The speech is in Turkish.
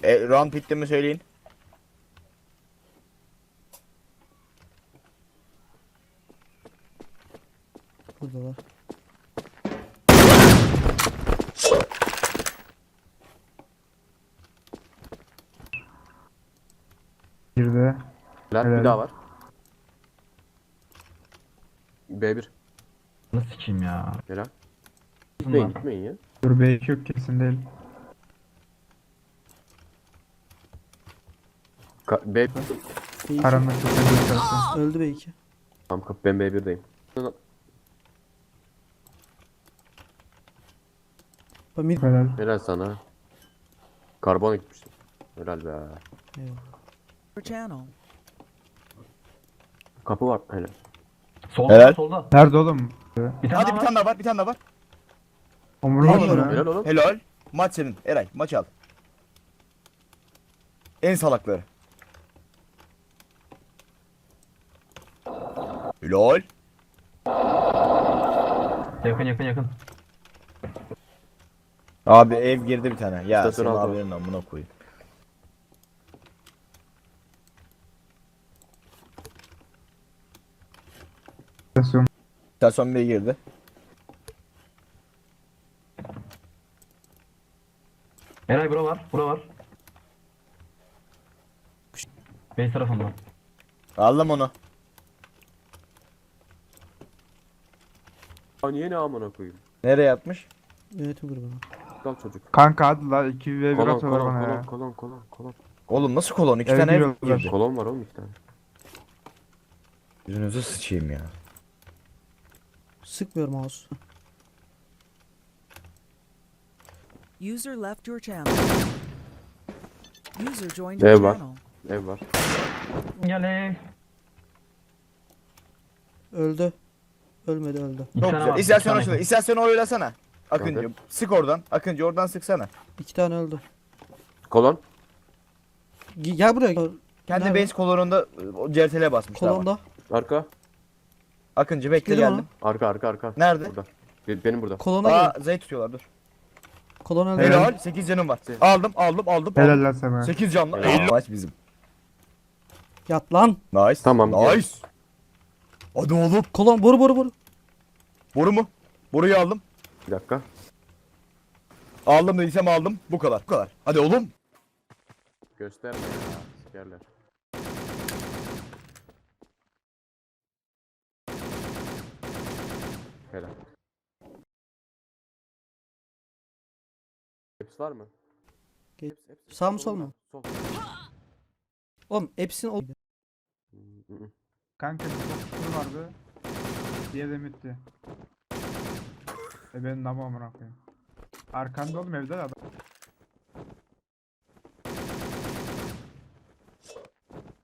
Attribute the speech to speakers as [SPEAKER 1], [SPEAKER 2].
[SPEAKER 1] Round bitti mi söyleyin.
[SPEAKER 2] Buradalar.
[SPEAKER 3] Girdi.
[SPEAKER 4] Helal. Bir
[SPEAKER 3] Helal.
[SPEAKER 4] daha var. B1.
[SPEAKER 5] Nasıl sikeyim ya?
[SPEAKER 4] Helal. Gitmeyin
[SPEAKER 5] Bunlar.
[SPEAKER 4] gitmeyin ya.
[SPEAKER 3] Dur B2 yok kesin değil.
[SPEAKER 4] B.
[SPEAKER 2] B2.
[SPEAKER 3] Karanlık çok önemli.
[SPEAKER 2] Öldü B2.
[SPEAKER 4] Tamam kapı ben B1'deyim.
[SPEAKER 2] Bak mid.
[SPEAKER 3] Helal.
[SPEAKER 4] Helal sana. Karbon gitmiştim. Helal be.
[SPEAKER 2] Eyvallah.
[SPEAKER 6] Channel.
[SPEAKER 4] Kapı var. Helal.
[SPEAKER 5] Solda
[SPEAKER 1] Helal.
[SPEAKER 5] solda.
[SPEAKER 3] Nerede oğlum?
[SPEAKER 5] Bir tane
[SPEAKER 1] Hadi
[SPEAKER 5] daha
[SPEAKER 1] bir
[SPEAKER 5] var.
[SPEAKER 1] tane daha var, bir tane daha var.
[SPEAKER 3] Omurma
[SPEAKER 2] Helal.
[SPEAKER 3] mı?
[SPEAKER 4] Helal oğlum.
[SPEAKER 1] Helal. Maç senin. Eray maç al. En salakları. Helal.
[SPEAKER 5] Yakın yakın yakın.
[SPEAKER 1] Abi ev girdi bir tane. Ya
[SPEAKER 4] İstasyon
[SPEAKER 1] senin
[SPEAKER 4] aldı.
[SPEAKER 1] abinin amına koyayım.
[SPEAKER 3] Stasyon.
[SPEAKER 1] İstasyon Bey girdi.
[SPEAKER 5] Eray bura var. Bura var. Base tarafından.
[SPEAKER 1] Aldım onu.
[SPEAKER 4] Aa, niye ne amına koyayım?
[SPEAKER 1] Nereye atmış?
[SPEAKER 2] Yönetim grubuna.
[SPEAKER 4] Kal çocuk.
[SPEAKER 3] Kanka hadi la 2v1
[SPEAKER 4] Kolon
[SPEAKER 3] atıyorlar
[SPEAKER 4] kolon
[SPEAKER 3] bana
[SPEAKER 4] kolon
[SPEAKER 3] ya.
[SPEAKER 4] kolon kolon kolon.
[SPEAKER 1] Oğlum nasıl kolon? İki
[SPEAKER 3] Ev
[SPEAKER 1] tane ev
[SPEAKER 3] giriyorlar.
[SPEAKER 1] girdi.
[SPEAKER 4] Kolon var oğlum 2 tane.
[SPEAKER 1] Yüzünüzü sıçayım ya.
[SPEAKER 2] Sıkmıyor mouse.
[SPEAKER 6] User left your channel. User joined
[SPEAKER 4] Ev
[SPEAKER 6] your
[SPEAKER 4] var.
[SPEAKER 6] channel.
[SPEAKER 4] Ev var.
[SPEAKER 5] Gel ey.
[SPEAKER 2] Öldü. Ölmedi öldü.
[SPEAKER 5] İki
[SPEAKER 1] Çok
[SPEAKER 5] tane
[SPEAKER 1] güzel.
[SPEAKER 5] var,
[SPEAKER 1] İstasyon
[SPEAKER 5] iki
[SPEAKER 1] açıldı.
[SPEAKER 5] tane.
[SPEAKER 1] İstasyonu oylasana. Akıncı.
[SPEAKER 4] Kanka.
[SPEAKER 1] Sık oradan. Akıncı oradan sıksana.
[SPEAKER 2] 2 tane öldü.
[SPEAKER 4] Kolon.
[SPEAKER 2] Gel buraya.
[SPEAKER 1] Kendi
[SPEAKER 2] Nerede?
[SPEAKER 1] base kolonunda o CRTL'e basmış. Tamam.
[SPEAKER 2] Kolonda.
[SPEAKER 4] Arka.
[SPEAKER 1] Akıncı bekle
[SPEAKER 2] Dedim
[SPEAKER 1] geldim.
[SPEAKER 4] Arka arka arka.
[SPEAKER 1] Nerede?
[SPEAKER 4] Burada. Benim burada.
[SPEAKER 2] Kolona
[SPEAKER 1] Aa
[SPEAKER 2] gel.
[SPEAKER 1] Z'yi tutuyorlar dur.
[SPEAKER 2] Kolon öldü.
[SPEAKER 1] Helal. 8 canım var. Aldım.
[SPEAKER 3] Helal lan sana.
[SPEAKER 1] 8 canlı.
[SPEAKER 4] Helal.
[SPEAKER 1] 50 maç bizim.
[SPEAKER 2] Yat lan.
[SPEAKER 1] Nice.
[SPEAKER 4] Tamam, gel.
[SPEAKER 1] Nice. Hadi oğlum.
[SPEAKER 2] Kolon boru.
[SPEAKER 1] Boru mu? Boruyu aldım.
[SPEAKER 4] Bir dakika.
[SPEAKER 1] Aldım dediysem aldım. Bu kadar. Bu kadar. Hadi oğlum.
[SPEAKER 4] Gösterme ya. Sikerler. Helal. Hepsi var mı?
[SPEAKER 2] Gel.
[SPEAKER 4] Hepsi.
[SPEAKER 2] Sağ mı, sol mu?
[SPEAKER 4] Sol.
[SPEAKER 2] Oğlum hepsini o...
[SPEAKER 3] Kanka bir topçuları vardı. Diye de bitti. Benim namı amına koyayım. Arkanda oğlum evde de adam.